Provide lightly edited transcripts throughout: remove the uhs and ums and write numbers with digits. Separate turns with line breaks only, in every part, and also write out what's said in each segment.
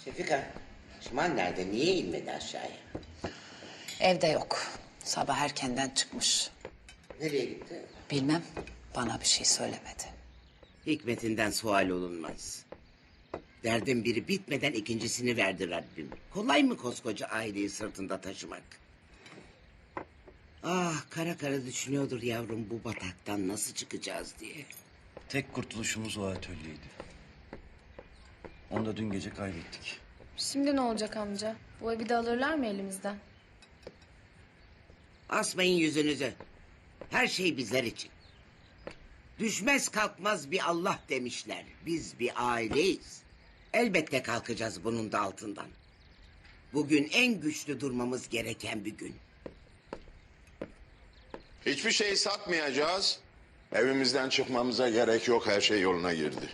Şefika, Şimal nerede? Niye inmedi aşağıya?
Evde yok. Sabah erkenden çıkmış.
Nereye gitti?
Bilmem, bana bir şey söylemedi.
Hikmetinden sual olunmaz. Derdin biri bitmeden ikincisini verdi Rabbim. Kolay mı koskoca aileyi sırtında taşımak? Ah, kara kara düşünüyordur yavrum bu bataktan nasıl çıkacağız diye.
Tek kurtuluşumuz o atölyeydi. Onu da dün gece kaybettik.
Şimdi ne olacak amca? Bu evi de alırlar mı elimizden?
Asmayın yüzünüzü. Her şey bizler için. Düşmez kalkmaz bir Allah demişler. Biz bir aileyiz. Elbette kalkacağız bunun da altından. Bugün en güçlü durmamız gereken bir gün.
Hiçbir şeyi satmayacağız. Evimizden çıkmamıza gerek yok. Her şey yoluna girdi.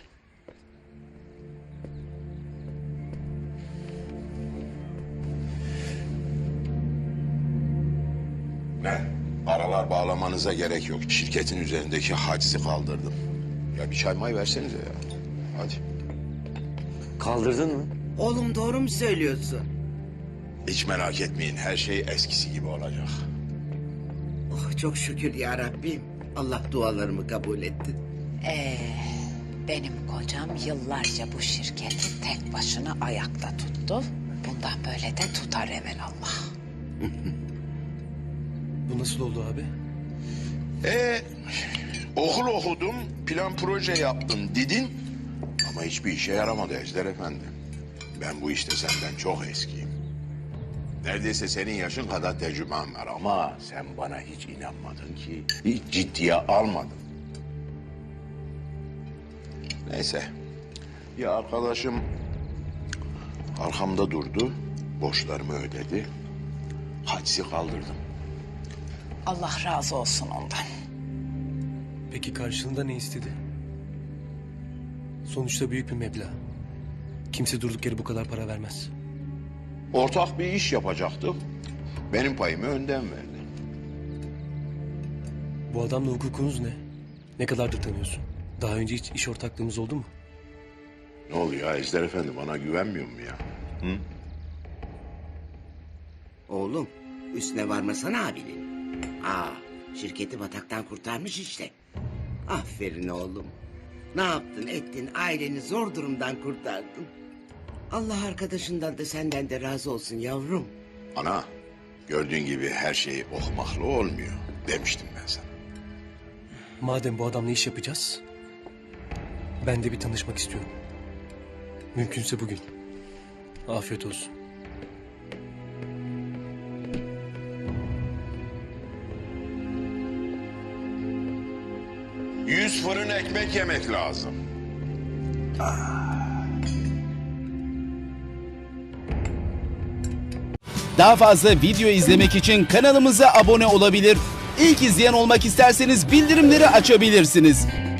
Ne? Aralar bağlamanıza gerek yok. Şirketin üzerindeki hacizi kaldırdım. Ya bir çay may versenize ya. Hadi.
Kaldırdın mı?
Oğlum doğru mu söylüyorsun?
Hiç merak etmeyin. Her şey eskisi gibi olacak.
Oh çok şükür ya Rabbim. Allah dualarımı kabul etti.
Benim kocam yıllarca bu şirketi tek başına ayakta tuttu. Bundan böyle de tutar evelallah.
Bu nasıl oldu abi?
Okul okudum, plan proje yaptım dedin. Ama hiçbir işe yaramadı Ejder Efendi. Ben bu işte senden çok eskiyim. Neredeyse senin yaşın kadar tecrübem var ama sen bana hiç inanmadın ki. Hiç ciddiye almadın. Neyse. Bir arkadaşım arkamda durdu, borçlarımı ödedi. Hacizi kaldırdım.
Allah razı olsun ondan.
Peki karşılığında ne istedi? Sonuçta büyük bir meblağ. Kimse durduk yere bu kadar para vermez.
Ortak bir iş yapacaktık. Benim payımı önden verdi.
Bu adamla hukukunuz ne? Ne kadardır tanıyorsun? Daha önce hiç iş ortaklığımız oldu mu?
Ne oluyor Ejder Efendi, bana güvenmiyor mu ya? Hı?
Oğlum üstüne varmasana abinin. Şirketi bataktan kurtarmış işte. Aferin oğlum. Ne yaptın ettin aileni zor durumdan kurtardın. Allah arkadaşından da senden de razı olsun yavrum.
Ana, gördüğün gibi her şey ohmaklı olmuyor demiştim ben sana.
Madem bu adamla iş yapacağız, ben de bir tanışmak istiyorum. Mümkünse bugün. Afiyet olsun.
Yüz fırın ekmek yemek lazım.
Daha fazla video izlemek için kanalımıza abone olabilir. İlk izleyen olmak isterseniz bildirimleri açabilirsiniz.